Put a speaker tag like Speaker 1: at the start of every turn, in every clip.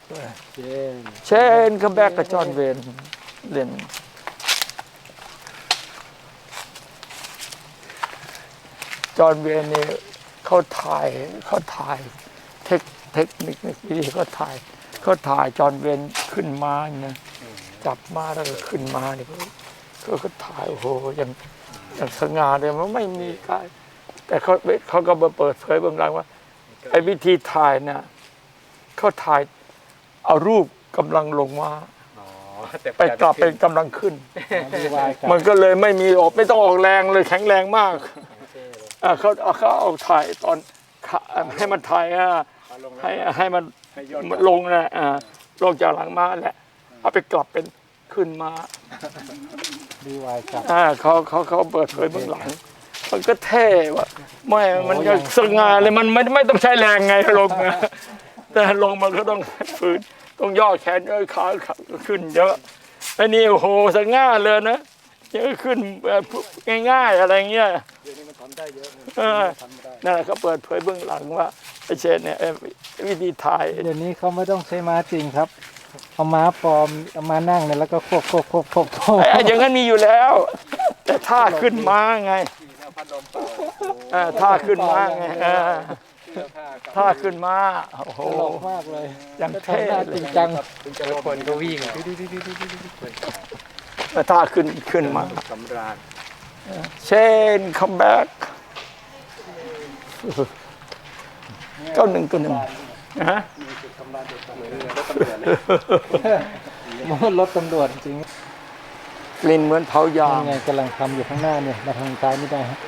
Speaker 1: ด้วยเชนคัมแบ็กกับจอห์นเวนเล่นจอห์นเวนนี่เขาถ่ายเทคนิควิธีเขาถ่ายจอห์นเวนขึ้นมาเนี่ยจับมาแล้วก็ขึ้นมาเนี่ยก็ถ่ายโอ้โหอย่างสง่าเลยมันไม่มีการแต่เขาก็มาเปิดเผยเบื้องหลังว่าไอ้วิธีถ่ายเนี่ยเขาถ่ายเอารูปกำลังลงมาไปกลับเป็นกำลังขึ้นมันก็เลยไม่มีไม่ต้องออกแรงเลยแข็งแรงมากเขาเอาถ่ายตอนให้มันถ่ายให้มันลงนะลงจากหลังมาแหละเอาไปกลับเป็นขึ้นมา
Speaker 2: ดีวายครับ
Speaker 1: เขาเปิดเผยเบื้องหลังมันก็เท่ว่ะไม่มันจะสง่าเลยมันไม่ต้องใช้แรงไงลงนะแต่ลงมันก็ต้องฝืนต้องย่อแขนย่อขาขึ้นเยอะไอ้นี่โอ้โหสง่าเลยนะเยอะขึ้นง่ายๆอะไรเงี้ย
Speaker 2: เดี๋ยวนี้มันทำได้เยอะ
Speaker 1: นั่นแหละเขาเปิดเผยเบื้องหลังว่าไอ้เชนเนี่ยวิธีถ่าย
Speaker 2: เดี๋ยวนี้เขาไม่ต้องใช้ม้าจริงครับเอาม้าปลอมเอามานั่งเนี่ยแล้วก็ควบ
Speaker 1: อย่างนั้นมีอยู่แล้วแต่ท่าขึ้นม้าไงท่าขึ้นม้าไงท่าขึ้นม้าโอ้โห
Speaker 2: มากเลย
Speaker 1: ยังเท่
Speaker 2: จริงจัง
Speaker 3: คนก็วิ่ง
Speaker 1: ท่าขึ้นมา
Speaker 3: สำราญ
Speaker 1: เชนคัมแบ็ก91นะฮะ
Speaker 2: รถตำรวจจริง
Speaker 1: กลิ่นเหมือนเผายาง
Speaker 2: ไงกำลังทำอยู่ข้างหน้าเนี่ยมาทางซ้ายไม่ได้ฮะ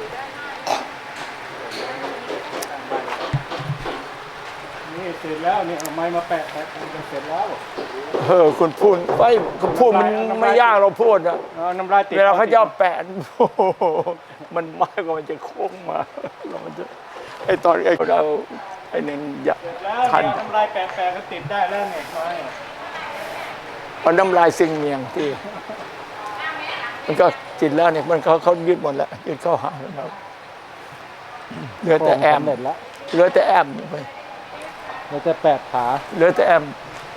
Speaker 2: นี่เสร็จแล้วเนี่ยเอาไม้มาแปะเสร็จแล้ว
Speaker 1: คุณพูดไปคุณพูดมันไม่ยากเราพูดอะ
Speaker 2: น้ำลายติด
Speaker 1: เวลาเขาจะแปะมันมากกว่ามันจะโค้งมาเรามันจะไอตอนเราไอหนึ่งอยากทัน
Speaker 2: น้ำลายแปะก็ติดได้แล้วไงไม้
Speaker 1: มันน้ำลายซิงเมียงที่มันก็จิตแล้วเนี่ยมันเขายึดหมดแล้วยึดเข้าหาแล้วเหลือแต่แอมเหลือแต่แอมไป
Speaker 2: เหลือแต่แปดขา
Speaker 1: เหลือแต่แอม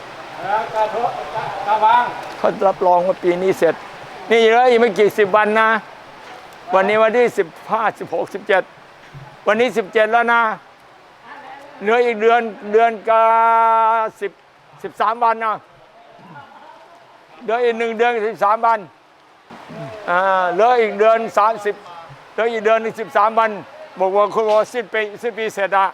Speaker 2: กระวาง
Speaker 1: เขารับรองว่าปีนี้เสร็จนี่เหลืออีกไม่กี่10 วันนะวันนี้วันที่15 16 17วันนี้17แล้วนะเหลืออีกเดือนกับ13 วันนะเหลืออีก1 เดือน13 วันเหลืออีกเดือน30เหลืออีกเดือน13 วันบอกว่าคุณว่าสิ้นปีเสร็จอะ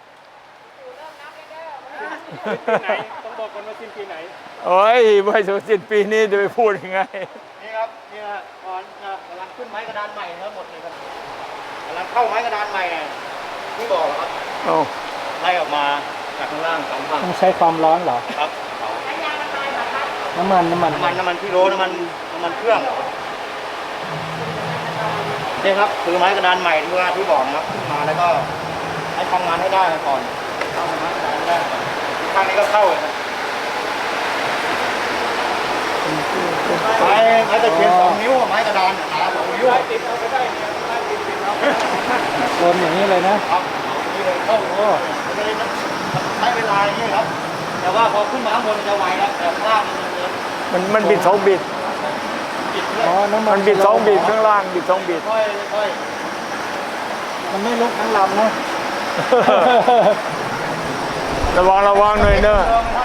Speaker 2: ต้องบอกกันว่าสิ้นปีไหน
Speaker 1: โอ้ยไม่ถึงสิ้นปีนี้จะไปพูดยังไง
Speaker 2: นี่ครับนี่ฮะก่อนกำลังขึ้นไม้กระดานใหม่ทั้งหมดเลยครับกำลังเข้าไม้กระดานใหม่ที่บอกครับไล่ออกมาจากข้างล่าง2 ฝั่งต้องใช้ความร้อนเหรอครับน้ำมันที่โรน้ำมันเครื่องนี่ครับคือไม้กระดานใหม่ที่บอกนะครับขึ้นมาแล้วก็ให้ทำงานให้ได้ก่อนเข้าไม้กระดานได้ข้างนี้ก็เข้าไม้ตะเคียน2 นิ้วไม้กระดานขา2 นิ้วติดเอาไปได้โดนอย่างนี้เลยนะครับนี่เลยเข้าใช้เวลาอย่างนี้ครับแต่ว่าพอขึ้นมาข้างบนจะไวแล้วแต่ข้างล่าง
Speaker 1: มันบิด2 บิดมันบิด2 บิดข้างล่างบิด2 บิด
Speaker 2: ค่อยมันไม่ลุกทั้งลำนะ
Speaker 1: ระวังหน่อยเนอะ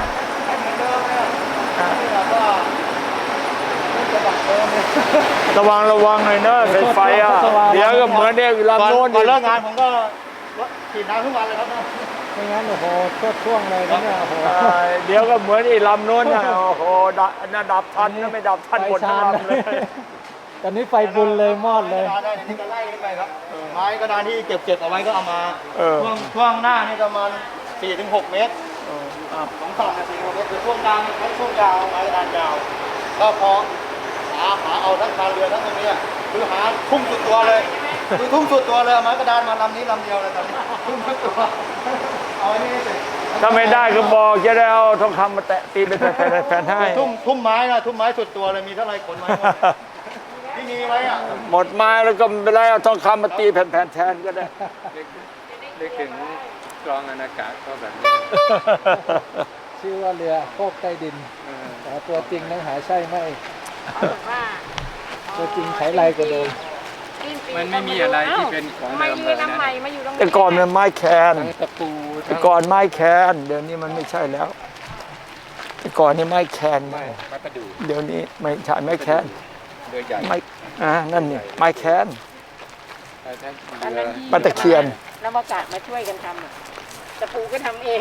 Speaker 1: ระวังหน่อยเนอะไฟอ่ะเดี๋ยวก็เหมือนเนี่ยลำโน้น
Speaker 2: ก่อนเลิกงานผมก็ฉีดน้ำทุกวันเลยครับไม่งั้นโอ้โหช่วงเลยนะเนี่ยโอ้โห
Speaker 1: เดี๋ยวก็เหมือนลำโน้นนะโอ้โหดับทันไม่ดับทันหมดทั้งลำเลย
Speaker 2: ตอนนี้ไฟบุญเลยมอดเลย
Speaker 3: นี่ก็ไล่ขึ้นไปครับไม้กระดานที่เก็บเอาไว้ก็เอามา
Speaker 2: ช่วงหน้านี่ประมาณ4-6 เมตร2 ฝั่ง4-6 เมตรคือช่วงกลางช่วงยาวไม้กระดานยาวก็พอหาเอาทั้งคานเรือทั้งตรงนี้คือหาทุ่มสุดตัวเลยคือทุ่มสุดตัวเลยไม้กระดานมาลำนี้ลำเดียวเลยตอนนี้ทุ่มสุดตัวเอาอันนี้เสร็จ
Speaker 1: ถ้าไม่ได้ก็บอกจะได้เอาทองคำมาแตะตีเป็นแผ่นให้
Speaker 2: ทุ่มไม้นะทุ่มไม้สุดตัวเลยมีเท่าไรขนไม้ที่มีไว้อะ
Speaker 1: หมดไม้แล้วก็ไม่ได้เอาทองคำมาตีแผ่นแทนก็ได้
Speaker 3: เล็กถึงกรองอากาศก็แบบนี้
Speaker 4: ชื่อว่าเรือโคกใต้ดินแต่ตัวจริงนั้นหาใช่ไหม
Speaker 5: เขาบอกว่า
Speaker 4: ตัวจริงใช้ไรกว่าเดิม
Speaker 5: มันไม่มีอะไรที่เป็นของเดิมเลยนะใหม่มาอยู่ตรงนี้
Speaker 1: แต่ก่อนมันไม้แคน
Speaker 4: ทั้งตะปู
Speaker 1: แต่ก่อนไม้แคนเดี๋ยวนี้มันไม่ใช่แล้วแต่ก่อนนี่ไม้แคน
Speaker 5: ไม้ประดู่
Speaker 1: เดี๋ยวนี้ไม่ใช่ไม้แคน
Speaker 5: เรือใหญ่
Speaker 1: ไม้นั่นนี่ไม้แคน
Speaker 5: ตอนนั้นที่
Speaker 1: ปลาตะเคียน
Speaker 5: แล้วอากาศมาช่วยกันทำอะตะปูก็ทำเอง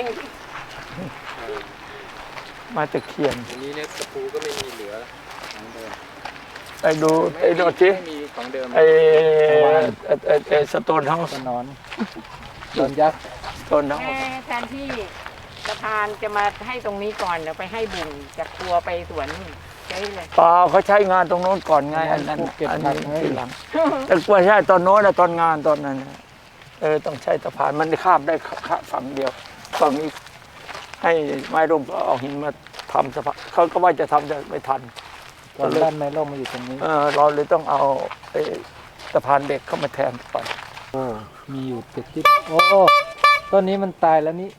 Speaker 1: ไม้ตะเคียน
Speaker 6: ทีนี้เนี่ยตะปูก็ไม่มีเหลือของเดิม
Speaker 1: ไปดูสิ
Speaker 6: ไม่มีของเดิม
Speaker 1: ไอ้สโตนเฮา
Speaker 4: ก็
Speaker 1: ส์
Speaker 4: นอนโดนยักษ์
Speaker 1: สโตนเฮาส์
Speaker 5: แทนที่สะพานจะมาให้ตรงนี้ก่อนเดี๋ยวไปให้บุญจากครัวไปสวนนู่นใช่เลย
Speaker 1: เปล่าเขาใช้งานตรงโน้นก่อนไงอันนั้นอันนี้ทีหลังแต่กว่าใช่ตอนโน้นนะตอนงานตอนนั้นนะต้องใช้สะพานมันข้ามได้ฝั่งเดียวฝั่งนี้ให้ไม้ร่มก็เอาหินมาทำสะพานเขาก็ว่าจะทำแต่ไม่ทัน
Speaker 4: ตอนด้านไม้ร่มมาอยู่ตรงนี้
Speaker 1: เราเลยต้องเอาไอ้สะพานเด็กเข้ามาแทนไป
Speaker 4: โอ้มีอยู่7 ทิศโอ้ต้นนี้มันตายแล้วนี่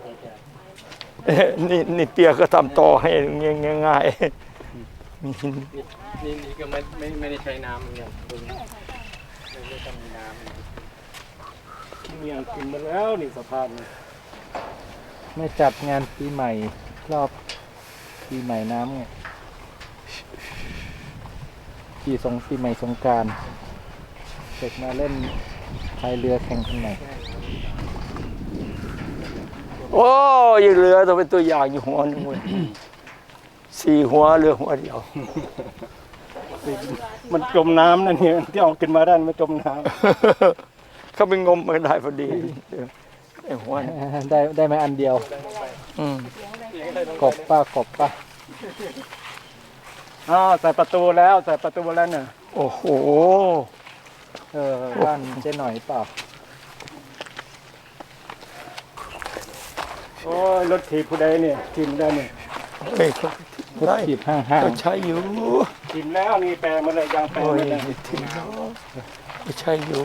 Speaker 1: นี่เปียก็ทำต่อให้ง่ายๆมีหิน
Speaker 6: นี่ก็ไม่ได้ใช้น้ำเหมือนกันตรงนี้ไม่ต้องมีน้ำ
Speaker 3: เมียงกินมาแล้วนี่สะพาน
Speaker 4: ไม่จัดงานปีใหม่รอบปีใหม่น้ำไงปีใหม่สงกรานต์เด็กมาเล่นพายเรือแข่งกันหน่อย
Speaker 1: โอ้ยเรือต้องเป็นตัวอย่างอยู่หัวหนึงเว้ย4 หัวเรือหัวเดียว
Speaker 3: มันจมน้ำนั่นเนี่ยที่เอาขึ้นมาได้มันจมน้
Speaker 1: เขาไปงมมาได้พอดีไอ้หัวนี่
Speaker 4: ได้ไหมอันเดียว
Speaker 1: อืม
Speaker 4: กบป้ากบป้า
Speaker 3: ำใส่ประตูแล้วใส่ประตูแล้วเนี่ย
Speaker 1: โอ้โห
Speaker 4: บ้านเจ๊หน่อยเปล่า
Speaker 3: โอ้ยรถถีบผู้ใดเนี่ยทิมได้เนี่ย
Speaker 1: เฮ้ยเขา
Speaker 4: พุท
Speaker 1: ได้
Speaker 4: ธิบห้าง
Speaker 1: เขาใช้อยู่
Speaker 3: ทิมแล้วนี่แปลมาเลยยางแปล
Speaker 1: โอ้ย
Speaker 3: มาเลย
Speaker 1: ทิ้งแล้วเขาใช้อยู่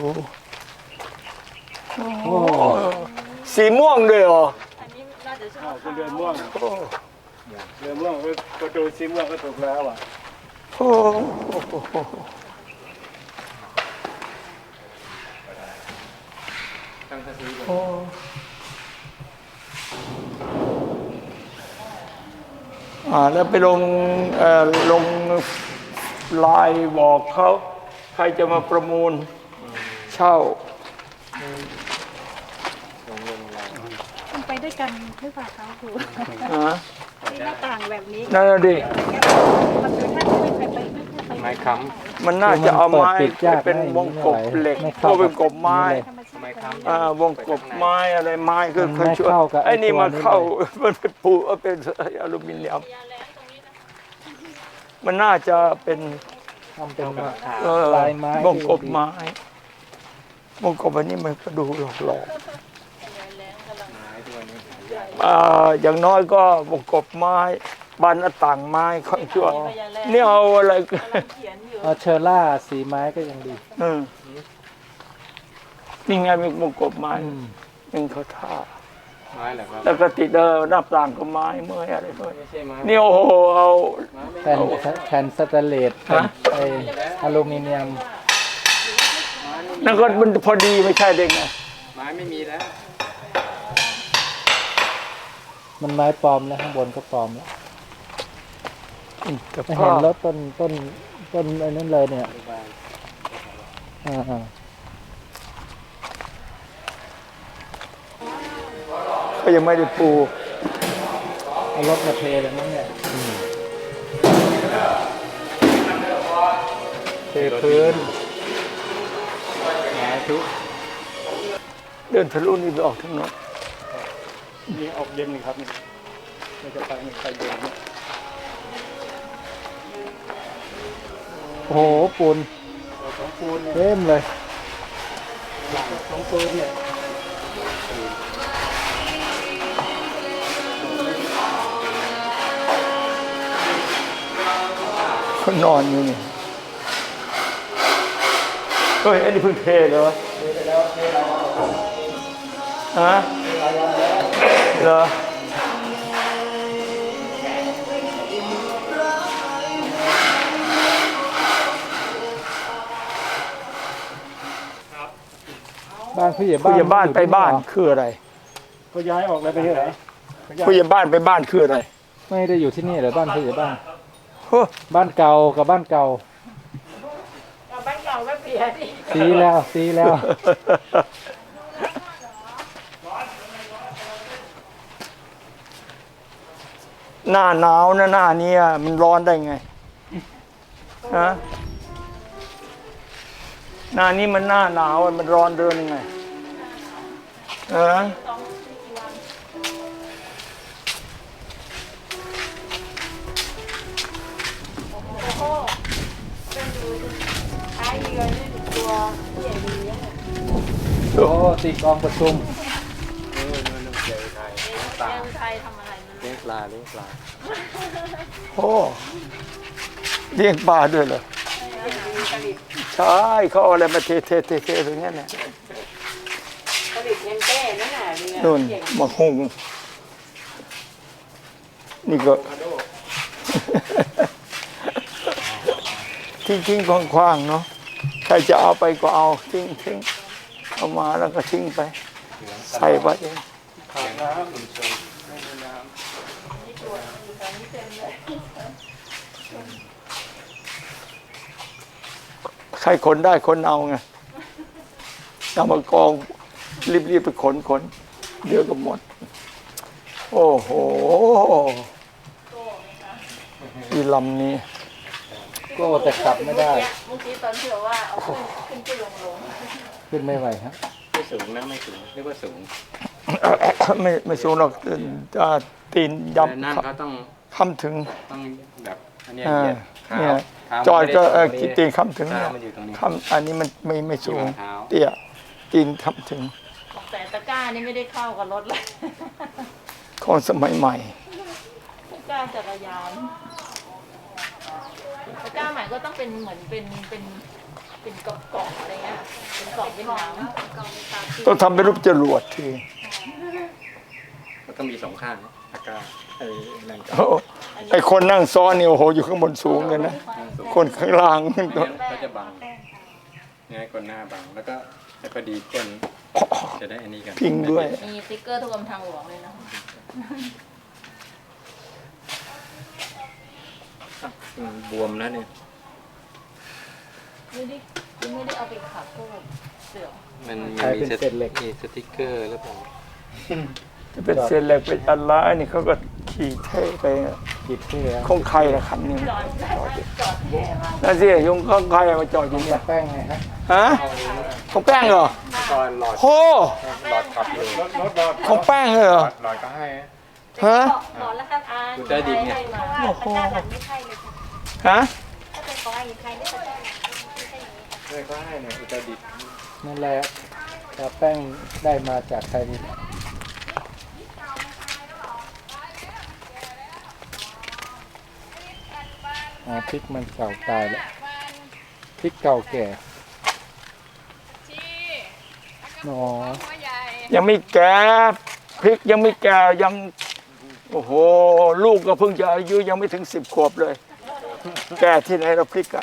Speaker 4: โอ้
Speaker 1: สีม่วงด้วยเหรอ
Speaker 3: เป็นเรือม่วง
Speaker 1: โอ้
Speaker 3: เรือม่วงประตูสีม่วงก็ถูกแล้วอ่ะ
Speaker 1: โอ้โห
Speaker 6: ตั้งสติ
Speaker 1: โอ้แล้วไปลงไลน์บอกเขาใครจะมาประมูลเช่า
Speaker 5: มันไปด้วยกันหรือเปล่าคะครู
Speaker 1: ฮะ
Speaker 5: ที่หน้าต่างแบบนี้
Speaker 1: นั่นน่ะดิ
Speaker 5: มันคือถ้าไม่เคยไปไม่เคยไป
Speaker 6: ไม้ค้
Speaker 1: มันน่าจะเอาไม้เป็นวงกบเหล็กก็เป็นกบไม้
Speaker 5: ธรรมชาติ
Speaker 6: ำไม้ค้ำ
Speaker 1: วงกบไม้อะไรไม้คือ
Speaker 4: มันไม่
Speaker 1: ช่วย
Speaker 4: เข้ากับ
Speaker 1: ไอ้นี่มาเข้า
Speaker 4: ตัวนี้
Speaker 1: มันเป็นปูเป็นอลูมิเนียมมันน่าจะเป็น
Speaker 4: ทำเป็น
Speaker 1: ล
Speaker 4: ลายไม้
Speaker 1: วงกบไม้วงกบอันนี้มันก็ดูหลอกอย่างน้อยก็วงกบไม้บานหน้าต่างไม้ค่อนชั่วนี่เอาอะไร
Speaker 4: เชอร่าสีไม้ก็ยังดี
Speaker 1: นี่ไงมีวงกบไม้ยังเขาท่า
Speaker 6: ไม้เหรอครับ
Speaker 1: แล้วก็ติดหน้าต่างก็ไม้เมื่อยอะไรด้วย
Speaker 6: ไม่ใช่ไม้
Speaker 1: นี่โอ้โหเอา
Speaker 4: แผ่นสแตนเลสแผ่นไออลูมิเนียม
Speaker 1: นั่นก็มันพอดีไม่ใช่เด็กไง
Speaker 6: ไม้ไม่มีแล้ว
Speaker 4: มันไม้ปลอมแล้วข้างบนก็ปลอมแล้ว
Speaker 1: แต่
Speaker 4: ไม่
Speaker 1: พ่อ
Speaker 4: เห็นรถต้นไอ้นั่นเลยเนี่ยอ่า
Speaker 1: ก็ยังไม่ได้ปู
Speaker 4: เอารถมาเทเลยมั้งเนี่ยเทพื้น
Speaker 1: เดินทะลุนี่ไปออกทางโน้น
Speaker 3: นี่ออกเย็นนี่ครับนี่มันจะไปเย็นเนี่ย
Speaker 4: โอ้โหปูน
Speaker 3: ของปูนเนี่ย
Speaker 4: เต็มเลย
Speaker 3: ของปูนเนี่ย
Speaker 1: เขานอนอยู่นี่เฮ้ยอันนี้เพิ่งเทเหรอฮะเหรอ
Speaker 4: ผู้ใหญ่
Speaker 1: ผู้ใหญ่บ้าน
Speaker 4: อยู่
Speaker 1: ไป
Speaker 4: ที่
Speaker 1: บ้าน
Speaker 4: เหรอ
Speaker 1: คืออะไร
Speaker 3: เขาย้ายออกเลยไปที่ไหน
Speaker 1: ผู้ใหญ่บ้านไปบ้านคืออะไร
Speaker 4: ไม่ได้อยู่ที่นี่เหรอบ้านผู้ใหญ่บ้าน
Speaker 1: โอ้
Speaker 4: บ้านเก่ากับบ้านเก่า
Speaker 5: เอาบ้านเก่าก็เสียดิ
Speaker 4: ซีแล้วซีแล้ว
Speaker 1: หน้าหนาวนะหน้าเนี้ยมันร้อนได้ไงฮะหน้านี้มันหน้าหนาวมันร้อนเดินยังไงฮะ
Speaker 5: ท้ายเรือนี่ตัวผู้ใหญ่ดีอะ
Speaker 4: โอ้ตีกองประชุม
Speaker 6: นู่นเจอไทยเลี้ยงปลา
Speaker 5: ยังไทยทำอะไรมัน
Speaker 6: เลี้ยงปลาเลี้ยงปลา
Speaker 1: โอ้เลี้ยงปลาด้วยเหรอ
Speaker 5: ผลิต
Speaker 1: ใช่เขาเอาอะไรมาเทตรงนี้เนี่ย
Speaker 5: ผลิตเงินแก้นั่นน่ะเรือ
Speaker 1: นู่น
Speaker 5: ใหญ่
Speaker 1: มาหุงนี่ก็ ทิ้งคว่างๆเนาะใครจะเอาไปก็เอาทิ้งเอามาแล้วก็ทิ้งไป ใส่ไปเอง
Speaker 6: ขาดน้ำชุมชนไม่มีน้
Speaker 1: ใครขนได้ขนเอาไงเอามากองรีบไปขนเดี๋ยวก็หมด โอ้โหอีลำนี้
Speaker 4: โก้แต่ขับไม่ได้
Speaker 5: เมื่อกี้ตอนที่บอกว่าเอาขึ้นลง
Speaker 4: ขึ้นไม่ไหวครับ
Speaker 6: ำไม่สูงนะไม่สูงเรียกว่าสูง
Speaker 1: ไม่สูงหรอกตีน
Speaker 6: แต่นั่น
Speaker 1: ยำ
Speaker 6: เขาต้อง
Speaker 1: ค้ำถึง
Speaker 6: ต้องแบบอันเนี้ย
Speaker 1: อ่า
Speaker 6: เหยียดเท้า
Speaker 1: เนี่ย
Speaker 6: เท้า
Speaker 1: จอยก็
Speaker 6: ไม่ได้ตรงนี้
Speaker 1: ตีนค้ำถึง
Speaker 6: เท้า
Speaker 1: เนี่ย
Speaker 6: มันอยู่ตรงนี้
Speaker 1: ค้ำอันนี้มันไม่สูง
Speaker 6: อยู่บนเท้า
Speaker 1: เตี้ยตีนค้ำถึง
Speaker 5: แต่ตะกร้านี่ไม่ได้เข้ากับรถเลย
Speaker 1: ของสมัยใหม่
Speaker 5: ตะกร้าจักรยานตะกร้าใหม่ก็ต้องเป็นเหมือนเป็นกล่องอะไรเงี้ยเป็นกล่องเป็นน้ำ
Speaker 1: ต้องทำเป็นรูปจรวดที
Speaker 6: ก็ต้องมีสองข้างตะกร้าไอ้นั่นก็
Speaker 1: โอ้ไอคนนั่งซ้อนนี่โอ้โหอยู่ข้างบนสูงเลยนะ คนข้างล่าง
Speaker 6: ไม่งั้นเขาจะบังเนี่ยคนหน้าบังแล้วก็ให้พอดีก้นจะได้อันนี้กัน
Speaker 1: พิงด้วย
Speaker 5: มีสติ๊กเกอร์ทุกกรมทางหลวงเลยนะ
Speaker 6: บวมแล้วเนี่ย
Speaker 5: ไม่ได้เอาไปขับพวกเสื่อม
Speaker 6: มัน
Speaker 4: กลายเป็นเศษเหล็ก
Speaker 6: มีสติ๊กเกอร์หรือเปล่า
Speaker 1: จะเป็นเศษเหล็กเป็นอะไรนี่เขาก็ขี่เท่ไป
Speaker 4: กิดที่แล้ว
Speaker 1: ของใครละคันนี้
Speaker 5: จอดแย่มาก
Speaker 1: นั่นสิยงของใครมาจอดอยู่เนี่ย
Speaker 4: แป้งไงฮะ
Speaker 1: ฮะของแป้งเหรอ
Speaker 6: ตอนหลอด
Speaker 1: โอ้
Speaker 6: หลอดขับอยู่
Speaker 3: รถหลอด
Speaker 1: ของแป้งเลยเหรอ
Speaker 6: หลอดก็ให้
Speaker 1: ฮะ
Speaker 5: หมอนแล้วครับอ่าน
Speaker 6: ดูใต้ดินเนี่ย
Speaker 5: มา
Speaker 1: โอ้โห
Speaker 7: ไม่ใช่เลยค่ะ
Speaker 1: ฮะ
Speaker 7: ถ้าเป็นของอะไรใครได้สักอย่างไม่ใช่อย่างนี้ค่ะ
Speaker 6: เลยก็ให้เนี่ยอุตรดิตถ์
Speaker 4: นั่นแหละแต่แป้งได้มาจากใครนี่พริกมันเก่าตายแล้วพริกเก่าแก่หนอ
Speaker 1: ยังไม่แก่พริกยังไม่แก่ยังโอ้โหลูกก็เพิ่งจะอายุยังไม่ถึง10 ขวบเลย แก่ที่ไหนเราพริกอะ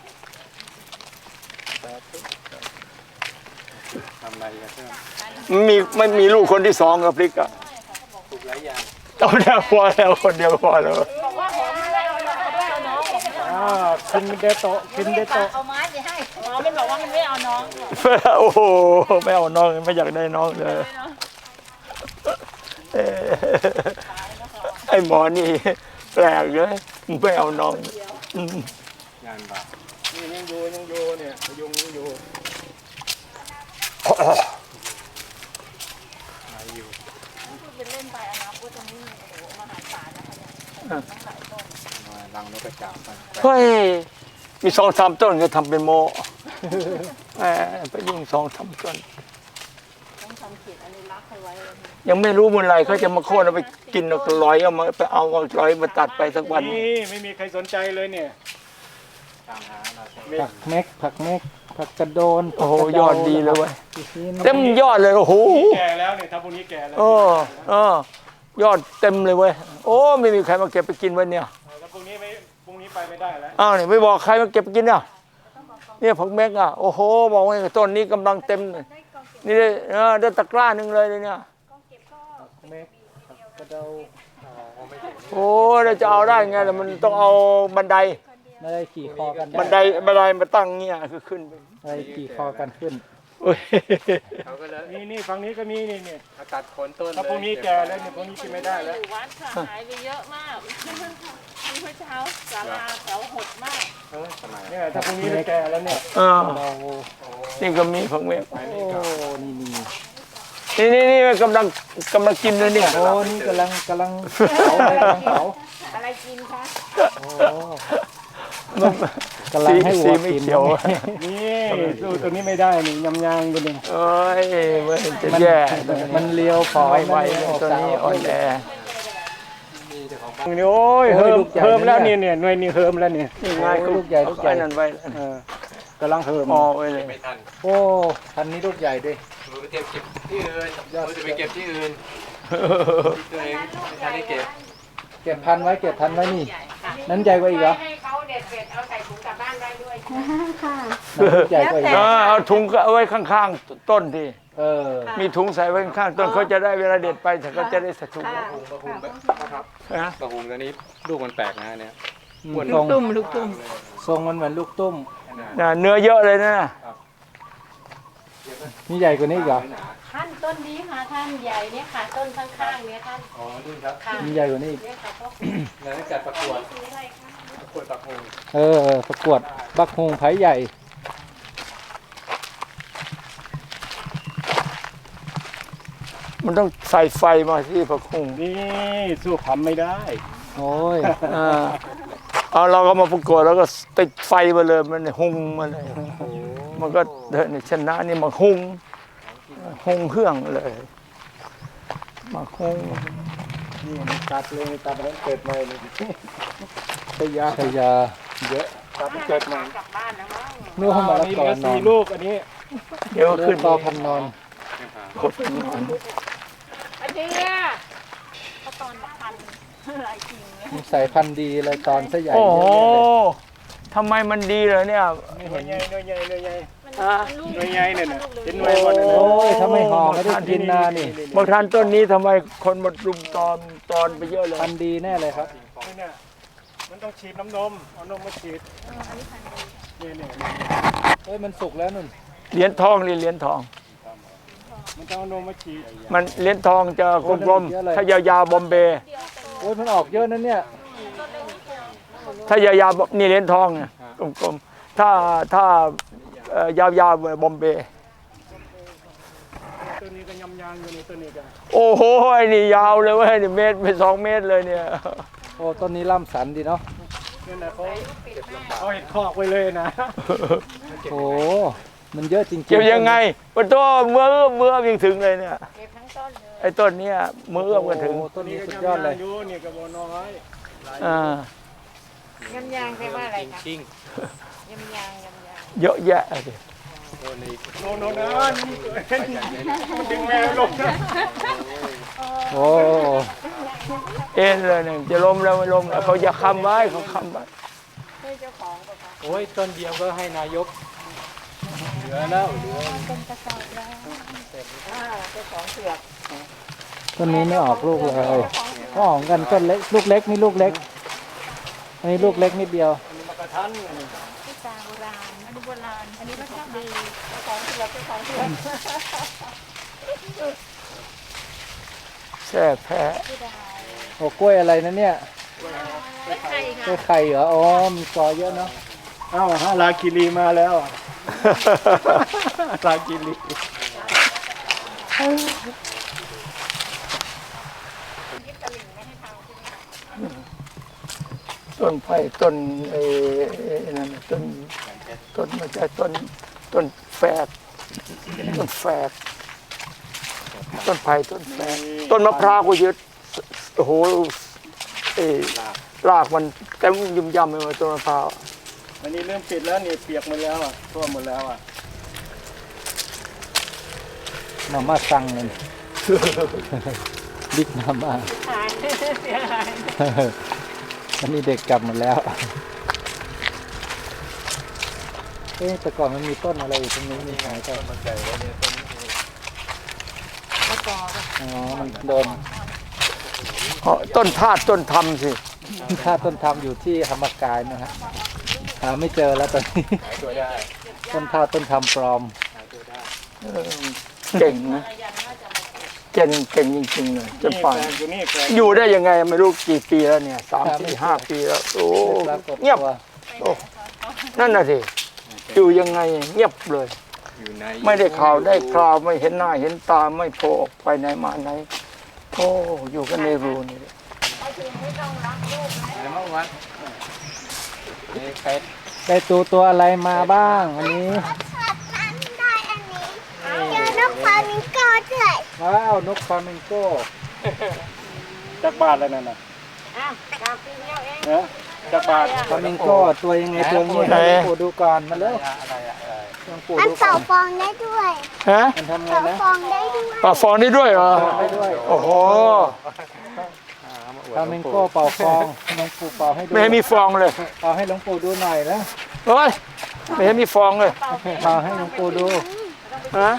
Speaker 6: ทำอะไรกันเพื่อน
Speaker 1: ไม่มีลูกคนที่2กับพริกอะ
Speaker 6: ปลูกหลายอย่าง
Speaker 1: เอาแล้วพอแล้วคนเดียวพอแล้ว
Speaker 5: บอกว่าผมไม่ได้เอาน้องผมไม่เอา
Speaker 4: คินเดโตะคินเดโตะ
Speaker 7: เอาไม้ไปให้
Speaker 5: น้องมันบอกว่ามันไม่เอาน้อง
Speaker 1: โอ้โหไม่เอาน้องไม่อยากได้น้องเลยเอ่อไอ้หมอนี่แปลกเลยไม่เอาน้องอืม
Speaker 6: งานบาป
Speaker 3: นี่ยังอยู่เนี่ยยุงยังอยู่
Speaker 5: เป็นเล่นไปอนาคตตรงนี้โอ้โหมหาศาลนะคะเนี่ยต้องหลายต้น
Speaker 6: มาลังนกกระจาบไป
Speaker 1: เฮ้ยมี2-3 ต้นก็ทำเป็นโมแหมไปยุ่ง2-3 ต้น
Speaker 5: ต้องทำเขตอนุรักษ์ให้ไว้เลย
Speaker 1: ยังไม่รู้เมื่อไหรเขาจะมาโค่นเอาไปกินเอาลอยเอามาไปเอาลอยมาตัดไปสักวัน
Speaker 3: นี่ไม่มีใครสนใจเลยเนี่ย
Speaker 6: ตามหาเรา
Speaker 4: ผักเม็กผักกระโดน
Speaker 1: โอ้โหยอดดีเลยเว้ย
Speaker 4: นี่นะ
Speaker 1: เต็มยอดเลยโอ้โห
Speaker 3: แก่แล้วเนี่ยถ้าพวกนี้แก่แล้ว
Speaker 1: ยอดเต็มเลยเว้ยโอ้ไม่มีใครมาเก็บไปกินวันเนี่ย
Speaker 3: แล้วพวกนี้ไปไม่ได้แล้ว
Speaker 1: อ้าวนี่ไม่บอกใครมาเก็บไปกินอ่ะเนี่ยผักเม็กอ่ะโอ้โหบอกว่าต้นนี้กำลังเต็มเลยนี่เลยได้ตะกร้าหนึ่งเลยเนี่ย
Speaker 4: เมฆกระเดา
Speaker 1: โอ้เราจะเอาได้ไงล่ะมันต้องเอาบันได
Speaker 4: ไม่ได้ขี่คอกัน
Speaker 1: บันไดมาตั้งเงี้ยคือขึ้นไป
Speaker 4: ไม่ได้ขี่คอกันขึ้น
Speaker 1: โอ้ย
Speaker 6: เขาก็เลย
Speaker 3: นี่ฝั่งนี้ก็มีนี่
Speaker 6: เอาตัดโคนต้น
Speaker 3: ถ้าพวกนี้แก่แล้วเนี่ยพวกนี้กินไม่ได้แล้ว
Speaker 5: อยู่วัดค่ะหายไปเยอะมากมีเมื่อเช้าศาลาแถวหดมาก
Speaker 3: เนี่ยถ้าพวกนี้แก่แล้วเนี่ย
Speaker 4: เรา
Speaker 1: นี่ก็มีผักเมฆ
Speaker 4: โอ้นี่
Speaker 1: นี่กำลังกินเลยเนี่ย
Speaker 4: โอ้นี่กำลังเผาเลยกำลังเผา
Speaker 5: อะไรกินคะ
Speaker 4: โอ้กำลังให้วัว
Speaker 1: ไม่
Speaker 4: กิน
Speaker 1: เขียว
Speaker 3: นี่สู้ตัวนี้ไม่ได้นี่ยำยางตัวนี้
Speaker 1: เอ้ยมันจะ
Speaker 4: มัน
Speaker 1: แย่
Speaker 4: มันเลี้ยวพอ
Speaker 1: ไม่ไหว
Speaker 4: มัน
Speaker 1: ตัวนี้อ่อนแอ
Speaker 3: นี่โอ้ยเฮิมแล้วเนี่ยหน่วยนี่เฮิมแล้วเนี่ย
Speaker 1: นี่ง่าย
Speaker 4: ลูกใหญ่ลูกใหญ่
Speaker 1: นั่นไว้
Speaker 3: กำลังเฮิม
Speaker 1: พอไว้เลย
Speaker 6: ไม่ทัน
Speaker 4: โอ้พันนี้ลูกใหญ่ด้วย
Speaker 6: มือไปเก็บที่อื่นมือจะไปเก็บที่อื่นที่ตัวเองไม่ทันได้เก็บ
Speaker 4: เก็บพันไว้นี่ นั้นใหญ่กว่าอีกเหรอ
Speaker 5: ให้เขาเด็ดเสร็จเอาใส่ถุงกลับบ้านได้ด้วย
Speaker 4: นั้นลูกใหญ่กว่าอีกเหรอ
Speaker 1: เอาถุงเอาไว้ข้างๆต้นที่
Speaker 4: เออ
Speaker 1: มีถุงใส่ไว้ข้างๆต้นเขาจะได้เวลาเด็ดไปเขาจะได้ใส่ถุง
Speaker 6: กระหุงครับ
Speaker 1: นะ
Speaker 6: กระหุงตัวนี้ลูกมันแปลกนะเนี่ย
Speaker 4: ทรง
Speaker 5: ลูกตุ้ม
Speaker 4: ทรงมันเหมือนลูกตุ้ม
Speaker 1: เนื้อเยอะเลยนะ
Speaker 4: นี่ใหญ่กว่านี้อีกเหรอ
Speaker 7: ท่านต้นนี้ค่ะท่านใหญ่เนี่ยค่ะ ต้นข้างๆเนี่ยท่าน
Speaker 6: อ๋อนี่ครับ
Speaker 7: ค่ะ
Speaker 4: นี่ใหญ่กว่านี้อีก
Speaker 7: เนี่ยค่ะพ่อ
Speaker 6: แล้วจัดประกวด
Speaker 7: ซื้ออะไรคะ
Speaker 6: ประกวดกระหุง
Speaker 4: ประกวดบักฮงไผ่ใหญ่
Speaker 1: มันต้องใส่ไฟมาที่ผักคุง
Speaker 3: นี่สู้ผำไม่ได้
Speaker 4: โอ้ย
Speaker 1: เอาเราก็มาประกวดแล้วก็ติดไฟมาเลยมันหุงมาเลยมันก็เดินชนะนี่มาหุงเครื่องเลยมาหุง
Speaker 3: นี่มันตัดเลยตัดแล้วเกิดใหม่เลย
Speaker 4: พยาเยอะ
Speaker 3: ตัดเกิดใหม่
Speaker 5: กลับบ้านแล้วมั้ง
Speaker 4: นู่นมาละ
Speaker 3: นี่
Speaker 4: กอ
Speaker 3: เหลือน
Speaker 4: อน
Speaker 3: 4 ลูกอันนี้
Speaker 1: เดี๋ยว
Speaker 4: ขึ้
Speaker 1: ขึ้
Speaker 4: น
Speaker 1: น
Speaker 4: ต่อพันนอน
Speaker 1: กดนอน
Speaker 5: อาเจีย
Speaker 7: ก็ตอนละพันหลายกิ่งเนี่ย
Speaker 4: มีสายพันธุ์ดีเลยตอนซะใหญ่
Speaker 1: โอ้
Speaker 4: เย
Speaker 1: โห
Speaker 4: อะเลย
Speaker 1: ทำไมมันดีเลยเนี่ย
Speaker 3: หน่วยใหญ่หน่วยใหญ่หน่วยใหญ่
Speaker 1: อ่ะ
Speaker 3: หน่วยใหญ่เนี่ยนะเห็นหน่วยหมดเลย
Speaker 4: โอ้ยถ้าไม่ห่อไม่ได้กินนานี่
Speaker 1: บางท่านต้นนี้ทำไมคนมารุมตอนไปเยอะเลย
Speaker 4: พันธุ์ดีแน่เลยครับ
Speaker 3: นี่เนี่ยมันต้องฉีดน้ำนมเอานมมาฉีดเนี่ย
Speaker 4: เฮ้ยมันสุกแล้วนุ่น
Speaker 1: เหรียญทองนี่เหรียญทอง
Speaker 3: มันต้องเอานมมาฉีด
Speaker 1: มันเหรียญทองจะกลมๆถ้ายาวๆบอมเบย์
Speaker 4: โอ้ยมันออกเยอะนั่นเนี่ย
Speaker 1: ถ้ายาวๆนี่เหรียญทองเนี่ยกลมๆถ้ายาวๆบอมเบย์
Speaker 3: ตัวนี้ก็ยำยางอยู่ในตัวนี้กัน
Speaker 1: โอ้โหไอ้นี่ยาวเลยเว้ยนี่เมตรเป็น2 เมตรเลยเนี่ย
Speaker 4: โอ้ต้นนี้ล่ำสันดีเนาะ
Speaker 3: เนี่ยนะเขาเห็ดคอกไว้เลยนะ
Speaker 4: โอ้มันเยอะจริงๆ
Speaker 1: เก็บยังไงปะตัวเมื่อยังถึงเลยเนี่ย
Speaker 5: เก็บทั้งต้นเลย
Speaker 1: ไอ้ต้นเนี้ยมือกันถึง
Speaker 4: โอ้ต้น
Speaker 3: นี่
Speaker 4: นี้
Speaker 3: ก็
Speaker 4: สุด
Speaker 3: ยำ
Speaker 4: ยอดเลย
Speaker 3: าย งอยู่นี่ก็บ่น้อย
Speaker 1: อ่าย
Speaker 5: ำยางแปลว่าอะไรคะ
Speaker 6: ชิง
Speaker 5: ยำยาง
Speaker 1: เยอะแยะเลย
Speaker 6: ตัวนี้
Speaker 3: โน่นมันดึงแม่ลงนะ
Speaker 4: โอ้
Speaker 1: เอ็นเลยเนี่ยจะล้มแล้วไม่ล้มแล้วเขาจะค้ำไว้เขาค้ำไว้
Speaker 5: ให้เจ้าของป่ะคะ
Speaker 6: โอ้ยต้นเดียวก็ให้นายก
Speaker 3: เหลือแล้วเหลือ
Speaker 7: เป็นกระสอบแล้ว
Speaker 5: เจ้าของเสือก
Speaker 4: ต้นนี้ไม่ออกลูกเลยก็ออกกันต้นเล็กลูกเล็กนี่ลูกเล็ก อันนี้ลูกเล็กนิดเดียว
Speaker 3: มากระทัน
Speaker 7: ที่ตาโบราณอันนี้โบราณ อันนี้ก็ชอบดี
Speaker 5: เจ้าของเสือกเจ้าของเสือก
Speaker 1: แช่แพ้
Speaker 4: โอ้กล้วยอะไรนะเนี่ย
Speaker 7: ไม่ใคร
Speaker 4: กล้
Speaker 7: ค่ะ
Speaker 4: วยไข่เหรอ อ๋อ มีกอเยอะเนาะ
Speaker 3: เอ้าฮะลาคิรีมาแล้วอะลาคิรี
Speaker 1: ต้นไผ่ต้นไอ้นั่นน่ะต้นมันจะต้นแฝดต้นไผ่ต้นแฝดต้นมะพร้าวก็เยอะโอ้โหรากมันเต็มยุ่มย่ำไปหมดต้นมะพร้าว
Speaker 3: อันนี้เริ่มปิดแล้วนี่เปียกหมดแล้วอ่ะท่วมหมดแล้วอ่ะ
Speaker 4: มาม่าสั่งเลยบิ๊กมาม่า
Speaker 5: หายเสียหาย
Speaker 4: อันนี้เด็กกลับหมดแล้ว เอ๊ะแต่ก่อนมันมีต้นอะไรอยู่ตรงนี้มีหายไป
Speaker 6: ต้นมันใหญ่แล้วเนี่ยต้น
Speaker 4: อ๋อ มันโดน
Speaker 1: ต้นธาตุต้นธรรมสิ
Speaker 4: ถ้าต้นธรรมอยู่ที่ธรรมกายนะฮะหาไม่เจอแล้วตอนนี้
Speaker 6: หายตัวได้
Speaker 4: ต้นธาตุต้นธรรมปลอม
Speaker 6: หายตัวได้
Speaker 1: เก่งนะเก่งจริงๆเลยจนป่าน
Speaker 3: แฟนอยู่นี่แฟน
Speaker 1: อยู่ได้ยังไงไม่รู้กี่ปีแล้วเนี่ย3-4-5 ปีแล้วโอ้
Speaker 4: ปรากฏ
Speaker 1: เงียบ
Speaker 4: ตัว
Speaker 1: โอ้นั่นน่ะสิอยู่ยังไงเงียบเลย
Speaker 6: อยู่ใน
Speaker 1: ไม่ได้ข่าวได้คราวไม่เห็นหน้าเห็นตาไม่โผล่ออกไปไหนมาไหนโอ้อยู่กันในรูนี่
Speaker 6: อะไรบ้างวะนี่ใคร
Speaker 4: ได้ตัวอะไรมาบ้างอันนี้
Speaker 7: ได้อันนี้เจอนกฟลามิงโก้ด้วย
Speaker 4: ว้าวนกฟลามิงโก้
Speaker 3: จากบ้านแล้วนั่นน่ะ
Speaker 5: อ้าวกลางปีเดียวเอง
Speaker 3: นะจากบ้าน
Speaker 4: ฟลามิงโก้ตัวยังไงตัวนี้ให้หลวงปู่ดูก่อนมาเร็ว
Speaker 6: อะไรอะไร
Speaker 4: หลวงปู่
Speaker 7: มัน
Speaker 4: ดูก่
Speaker 7: เป่า
Speaker 4: อน
Speaker 7: ฟองได้ด้วย
Speaker 1: ฮะ
Speaker 4: มันทำไง
Speaker 7: เป่า
Speaker 4: นะ
Speaker 7: ฟองได้ด้วย
Speaker 1: ป่าฟองได้ด้วยเหรอ
Speaker 4: ได้ด้วย
Speaker 1: โอ้โห
Speaker 4: ฟลามิงโก้เป่าฟองหลวงปู่เป่าให้ดู
Speaker 1: ไม่ให้มีฟองเลย
Speaker 4: เป่าให้หลวงปู่ดูหน่อยนะ
Speaker 1: เฮ้ยไม่ให้มีฟองเลย
Speaker 4: เป่าให้หลวงปู่ดู
Speaker 1: ฮะ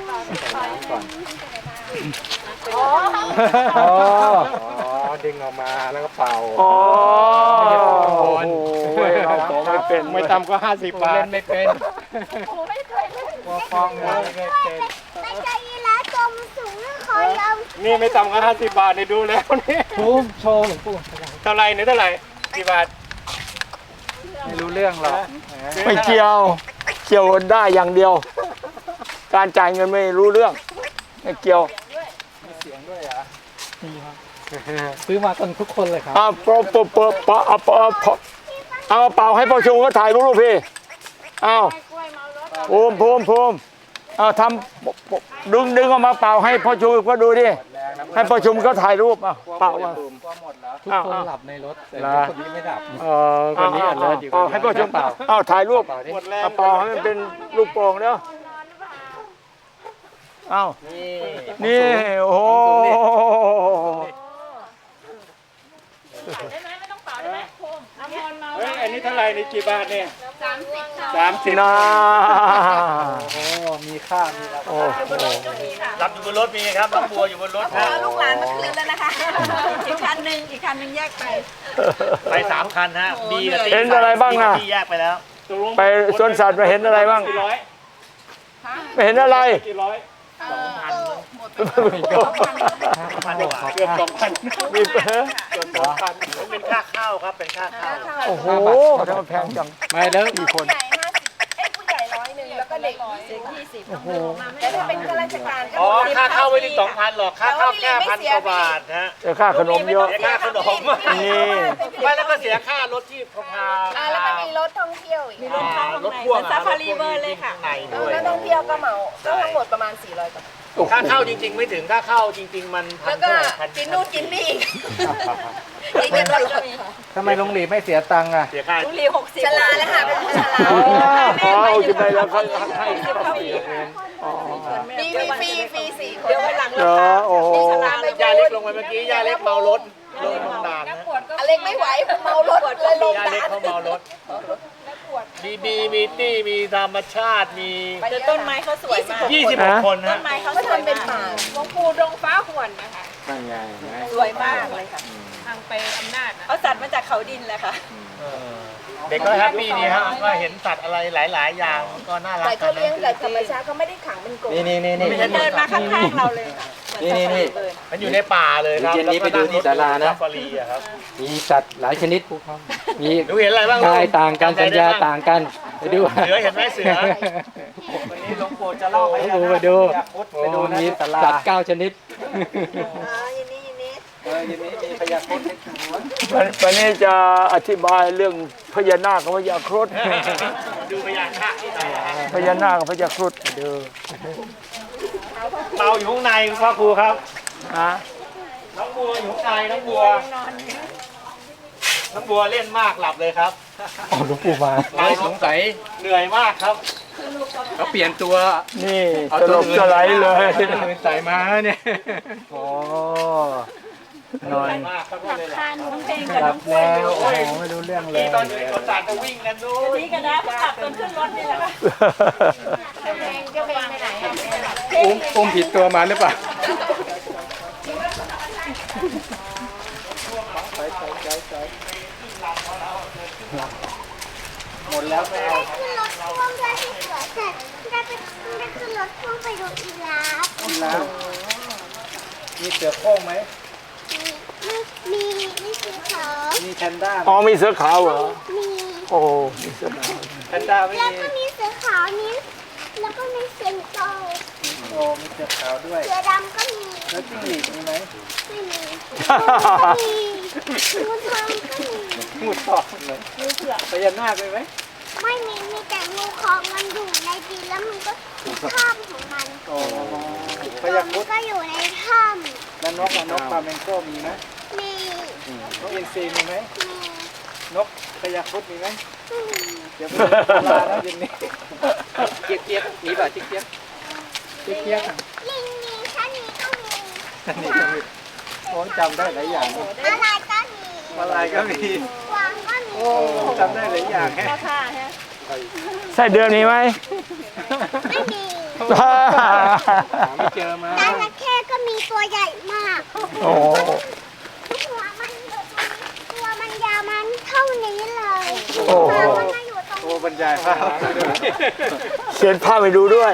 Speaker 4: อ๋อ
Speaker 6: อ๋อดึงออกมาแล้วก็เป่า
Speaker 1: อ๋อ
Speaker 6: ไม่ใช่ฟอง
Speaker 1: โอ้
Speaker 6: บอล
Speaker 1: โหเราโตไม่เป็น
Speaker 3: ไม่ต่ำก็50 บาท
Speaker 6: เล่นไม่เป็น
Speaker 4: ตัวฟองเลย
Speaker 6: ไม่เป็น
Speaker 7: ไม่ใช่ยีราฟตัวมันสูงคอยาว
Speaker 3: นี่ไม่ต่ำก็50 บาทเนี่ยดูแล้วนี่
Speaker 4: ภูมิโชว์หลวงปู่
Speaker 3: เท่าไหรเนี่ยเท่าไหร่กี่บาท
Speaker 4: ไม่รู้เรื่องหรอก
Speaker 1: ไม่เกี่ยวเกี่ยวได้อย่างเดียว การจ่ายเงินไม่รู้เรื่องไม่เกี่ยว
Speaker 4: ซื้อมากันทุกคนเลยครับ
Speaker 1: เอาเป่าเอาเป่าให้พ่อชงก็ถ่ายรูปพี่เอาภูมิเอาทำดึงออกมาเป่าให้พ่อชงก็ดูดิให้พ่อชงก็ถ่ายรูปเอาเป่ามา
Speaker 4: ทุกคนหลับในรถแต่
Speaker 1: เหรอ
Speaker 4: คนนี้ไม่หลับ
Speaker 3: คนนี้อันเลิศอยู่
Speaker 1: เป่าให้พ่อชงเป่าเอาถ่ายรูป
Speaker 3: หมดแรง
Speaker 1: เอาเป่าให้มันเป็นลูกโป่งเนาะเอานี่โอ้โห
Speaker 5: ได้ไหมไม่ต้องเป่าได้ไหมภูมิน้ำมนต์มา
Speaker 3: เฮ้ยอันนี้เท่าไหรนี่กี่บาทเนี่ย
Speaker 1: นะ
Speaker 4: โอ้ มีค่า มีราคา
Speaker 1: โอ้โห
Speaker 2: รับอยู่บนรถมีครับน้องบัวอยู่บนรถนะ
Speaker 5: ลูกหลานมาคืนแล้วนะคะ อีกคันหนึ่งแยกไป
Speaker 2: ไป3 คันฮะบีกับตี
Speaker 1: เห็นอะไรบ้างน่ะ
Speaker 2: ที่แยกไปแล้ว
Speaker 1: ไปสวนสัตว์มาเห็นอะไรบ้าง
Speaker 3: กี่ร้อย
Speaker 1: ไม่เห็นอะไร
Speaker 3: กี่ร้อย
Speaker 2: 2,000 กว่า
Speaker 3: เกือบ2,000
Speaker 1: มีเ
Speaker 2: เป็นค่าข้าวครับเป็นค่าข้าว
Speaker 1: โอ้โหทำไมแพงจัง
Speaker 4: ไม่แล้วกี่คน
Speaker 5: ผู้ใหญ่100แล้วก็เด็ก20แต่ถ้าเป็นข้าราชการก็
Speaker 2: อ๋อค่าเข้าไม่ถึง 2,000 หรอกค่าเข้าแค่1,000 กว่าบาทฮะ
Speaker 1: แต่ค่าขนมเยอะ
Speaker 2: เสียค่าขนม
Speaker 1: นี่
Speaker 2: ไม่แล้วก็เสียค่ารถที่พา
Speaker 5: แล้วก็มีรถท่องเที่ยวอีก
Speaker 2: มีรถพ่วงซาฟารีเบอร์เลยค่ะในด้วย
Speaker 5: แล้วท่องเที่ยวก็เหมาก็ทั้งหมดประมาณ400 กว่า
Speaker 2: ค่าเข้าจริง ๆ ไม่ถึงค่าเข้าจริง ๆ มันพั
Speaker 5: แล้
Speaker 2: น
Speaker 5: วก็
Speaker 2: เท่าไหร่พัน
Speaker 5: กินนู่นกินนี่อีกเงินตลอด
Speaker 4: ทำไมลงหลีไม่เสียตังค์อ่ะ
Speaker 2: เสียค่า
Speaker 5: ลุงลี60ชราแล้วค่ะเป็นผู้ชรา
Speaker 1: อ๋อจะไปแล้วเขาให้
Speaker 5: มีฟรี4 คนเดี๋ยววันหลัง
Speaker 1: เหรอโอ้โห
Speaker 2: ย่าเล็กลงไปเมื่อกี้ย่าเล็กเมารถลงด่านนะ
Speaker 5: อเล็กไม่ไหวเมารถเลยลง
Speaker 2: ย่า
Speaker 5: ด่า
Speaker 2: เล็ก
Speaker 5: น
Speaker 2: เขาเมารถมีบีมีตี้มีธรรมชาติมี
Speaker 5: แต่ต้นไม้เขาสวยมาก
Speaker 2: 26 คน
Speaker 5: ต้
Speaker 2: ฮะ
Speaker 5: นไม้เขาทำเป็นป่าหลวงปู่ดงฟ้าหวนนะคะ
Speaker 6: นั่นไง
Speaker 5: สวยมากเลยค่ะทางไปอำนาจเอาสัตว์มาจากเขาดินแหละค่ะ
Speaker 2: เด็กก็แฮปปี้ดีฮะก็เห็นสัตว์อะไรหลาย ๆ อย่างก็น่ารัก
Speaker 5: แต่เขาเลี้ยงแบบธรรมชาติเขาไม่ได้ขังเป็นกรง
Speaker 6: นี่
Speaker 5: เดินมาข้างๆเราเลยค่ะ
Speaker 6: นี่
Speaker 2: มันอยู่ในป่าเลยครับ
Speaker 6: เย็นนี้ไปดูที่ศาลานะ
Speaker 2: ซาฟารีอะครับ
Speaker 6: มีสัตว์หลายชนิด มี
Speaker 2: ดูเห็นอะไรบ้าง
Speaker 6: กายต่างกัน สัญญาต่างกัน ไปดู
Speaker 2: เสือเห็นไหมเสือ
Speaker 3: วันนี้หลวงปู่จะเล่าให้
Speaker 6: ไปดู
Speaker 3: ไปดูนะ
Speaker 6: มี
Speaker 3: ที่ศาลา
Speaker 6: สัตว์9 ชนิด
Speaker 5: ยินนี้
Speaker 3: ยินนี้มีพญาครุฑให้ดู
Speaker 1: วันนี้จะอธิบายเรื่องพญานาคกับพญาครุฑ
Speaker 2: ดูพยานค่าที่ไหนอะฮะ
Speaker 1: พญานาคกับพญาครุฑดู
Speaker 2: เตาอยู่ข้างในพ่อครูครับ
Speaker 1: ฮะ
Speaker 2: น้องบัวอยู่ข้างในน้องบัวเล่นมากหลับเลยครับ
Speaker 6: อ๋อหลวงปู่มาสงสัย
Speaker 2: เหนื่อยมากครับ
Speaker 6: เขาเปลี่ยนตัว
Speaker 1: นี่สลบสไลด์เลย
Speaker 6: เป็นสายม้าเนี่ย
Speaker 1: โอ้
Speaker 2: เหนื่อยมากครับก็เลยหลับ
Speaker 4: หลับแล้วโอ้โหไม่รู้เรื่องเล
Speaker 2: นี่
Speaker 4: ย
Speaker 2: ตอนนี้คนต่างจะวิ่งกันนู้น
Speaker 5: นี่กันนะขับจนขึ้นรถนี่แหละค่ะเจ้าเบงไปไหน
Speaker 6: อุ้มผิดตัวมาหรือเปล่า
Speaker 4: หมดแล้วไม่เอา
Speaker 7: ได้ขึ้นรถพ่วงด้วยที่สวนเสร็จได้ขึ้นรถพ่วงไปดูอีลาฟ
Speaker 4: แล้วมีเสือโคร่งไหม
Speaker 7: มีสีขาว
Speaker 4: มีแพนด้าไหม
Speaker 1: อ๋อมีเสือขาวเหรอ
Speaker 7: มี
Speaker 1: โอ้มีเสือขาว
Speaker 4: แพนด้าไม่
Speaker 7: แล้ว
Speaker 4: มี
Speaker 7: ก็มีเสือขาวนี้แล้วก็มีเสือโต
Speaker 4: โอ้มีเสือขาวด้วย
Speaker 7: เสือดำก็มี
Speaker 4: แล้วจิ้งหรีดมีไหม
Speaker 7: ไม่มีมีงูทองก็มี
Speaker 4: งูทองเลยพญานาคมีไหม
Speaker 7: ไม่มีแต่งูคองมันอยู่ในดินแล้วมันก็ถ้ำของมัน
Speaker 4: โอ้พ
Speaker 7: ตัว
Speaker 4: ญา
Speaker 7: มั
Speaker 4: ครุ
Speaker 7: น
Speaker 4: ฑ
Speaker 7: ก็อยู่ในถ้
Speaker 4: แล้วนกอะนกปลาเมงโก้มีไหม
Speaker 7: ำมี
Speaker 4: นกอินทรีมีไหม
Speaker 7: มี
Speaker 4: นกพญาครุฑมีไหม
Speaker 7: ไม่มี
Speaker 4: เดี๋ยวไปเล่นปลาแล้วเย็นนี้
Speaker 6: เจี๊ยบเจี๊ยบมีป่ะเจี๊ยบเจี๊ยบ
Speaker 4: เจี๊ยบๆอะ
Speaker 7: ลิงมีชะนีก็มี
Speaker 4: นี่ก็มีโอ้จำได้หลายอย่างนะ
Speaker 7: อะไรก็มี
Speaker 4: มาลายก็มี
Speaker 7: กวางก็มี
Speaker 4: โอ้จำได้หลายอย่างแฮะ
Speaker 1: ไส้เดือนมีไหม
Speaker 7: ไม่มี
Speaker 6: หาไม่เจอมา
Speaker 7: จระเข้ก็มีตัวใหญ่มาก
Speaker 1: โอ้
Speaker 7: หัวมันอยู่ตรงนี้ตัวมันยาวมันเท่านี้เลย
Speaker 1: โอ้
Speaker 7: หางมันมาอยู่ตรง
Speaker 4: โอ้
Speaker 7: นี้
Speaker 4: บรรยายภาพ
Speaker 1: เขียนภาพไปดูด้วย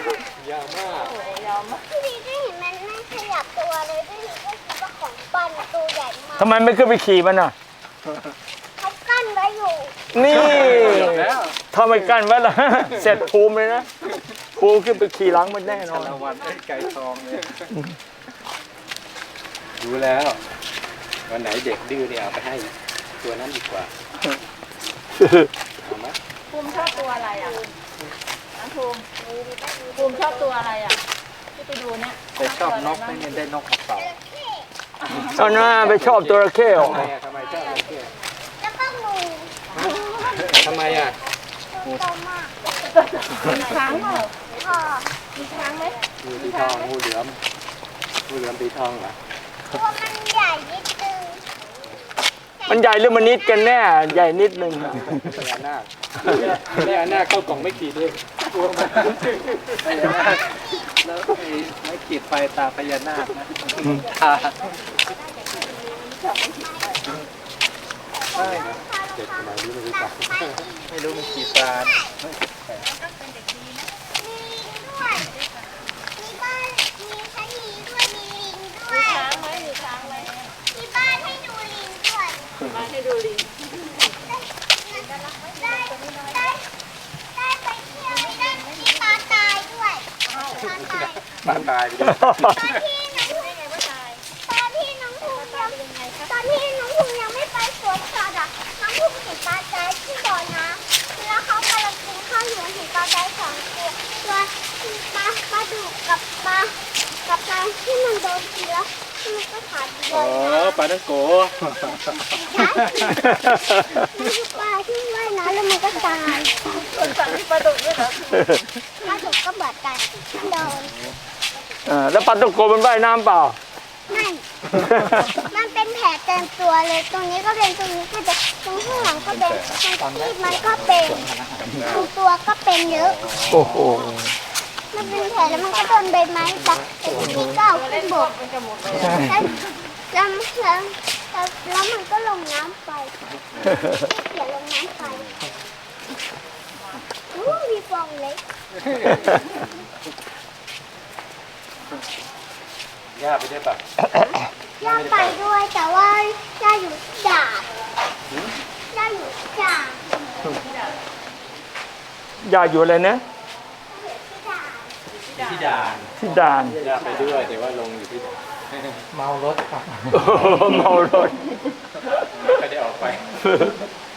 Speaker 7: พี่ดีก็เห็นมันไม่ขยับตัวเลยพี่ดีก็คิดว่าของปันตัวใหญ่มาก
Speaker 1: ทำไมไม่ขึ้นไปขี่มันอ่ะ
Speaker 7: เขากั้นไว้อยู่
Speaker 1: นี่
Speaker 4: แล้ว
Speaker 1: ถ้าไม่กั้นไว้ละ เสร็จภูมิเลยนะ ภูมิขึ้นไปขี่หลังมันแน่นอน
Speaker 4: ชาละวันไอ้ไก่ทองเนี่ย
Speaker 6: ดูแล้ววันไหนเด็กดื้อเนี่ยเอาไปให้ตัวนั้นดีกว่าเอาไหม
Speaker 5: ภูมิชอบตัวอะไรอ่ะน้องภูมิชอบตัวอะไรอ่ะที่ไปดูเนี่ย
Speaker 4: แต่ชอบนกไม่เนี่ยได้นกกระเป๋า
Speaker 1: เอาหน้าไปชอบตัวระเข้เหรอ
Speaker 6: ทำไมชอบอะไรเที่ยว
Speaker 7: แล้วก็งู
Speaker 6: ทำไมอ่ะ
Speaker 7: ตัวโตมาก
Speaker 5: ช้างเปล่า
Speaker 7: พอ
Speaker 5: มีช้างไหม
Speaker 6: งูสีทองงูเหลือมงูเหลือมสีทองเหรอ
Speaker 7: ตัวมันใหญ่นิดนึง
Speaker 1: มันใหญ่หรือมันนิดกันแน่ ใหญ่นิดนึงอะ
Speaker 6: พญานาคพญานาคเข้ากล่องไม่ขีดเอง
Speaker 4: พญานาคแล้วไม่ขีดไฟตาพญานาคนะตาใช่นะ
Speaker 6: เด็กสมัยนี้ไม่รู้จัก
Speaker 4: ไม่รู้มันขีดตา
Speaker 7: มีด้วยมีบ้านมีชะนีด้วยมีลิงด้วย
Speaker 5: ช้างไหมมีช้างไหม
Speaker 7: มีบ้านให้ดูลิงด้วย
Speaker 5: มาให้ดูลิง
Speaker 7: ได้ไปเที่ยวได้มีปลาตายด้วยปลาตาย
Speaker 6: บ้านตายไปด้วย
Speaker 7: ตอนที่น้องภูมิยังไม่ไปสวนสัตว์อ่ะน้องภูมิเห็นปลาตายที่บ่อน้ำแล้วเขากำลังกินข้าวอยู่เห็นปลาตายสองตัวปลาดุกกับปลาที่มันโดนกินแล้วมันก็ขาดเล
Speaker 6: อ๋อย ปลาตั้งโก
Speaker 7: มันคือปลาที่ว่ายน้ำแล้วมันก็ตาย
Speaker 5: คนสั่งที่ปลาดุกด้วยเหรอ
Speaker 7: ปลาดุกก็เหมือนกันโดน
Speaker 1: แล้วปลาตุกโกมันว่ายน้ำเปล่า
Speaker 7: ไม่ มันเป็นแผลเต็มตัวเลย ตรงนี้ก็เป็น ตรงนี้ก็เป็นตรงข้างหลังก็เป็นตรงที่มันก็เป็นตรงตัวก็เป็นเยอะ
Speaker 1: โอ้โห
Speaker 7: มันเป็นแผลแล้วมันก็โดนใบไม้ตัดแต่ทีนี้ก็เอาขึ้นบก
Speaker 5: มันจะหมดเลย
Speaker 7: แล้วมันก็ลงน้ำไปเขียนลงน้ำไปมีฟองเล็ก
Speaker 6: ย่าไปได้ปะ
Speaker 7: ย่าไปด้วยแต่ว่าย่าอยู่ด่านย่าอยู่ด่าน
Speaker 1: ย่าอยู่อะไรนะ
Speaker 6: ที่ด่าน
Speaker 1: ที่ด่าน
Speaker 6: ย่าไปด้วยแต่ว่าลงอยู่ที่ด่าน
Speaker 4: เมารถครับ
Speaker 1: เมารถ
Speaker 6: ไม่ได้ออกไป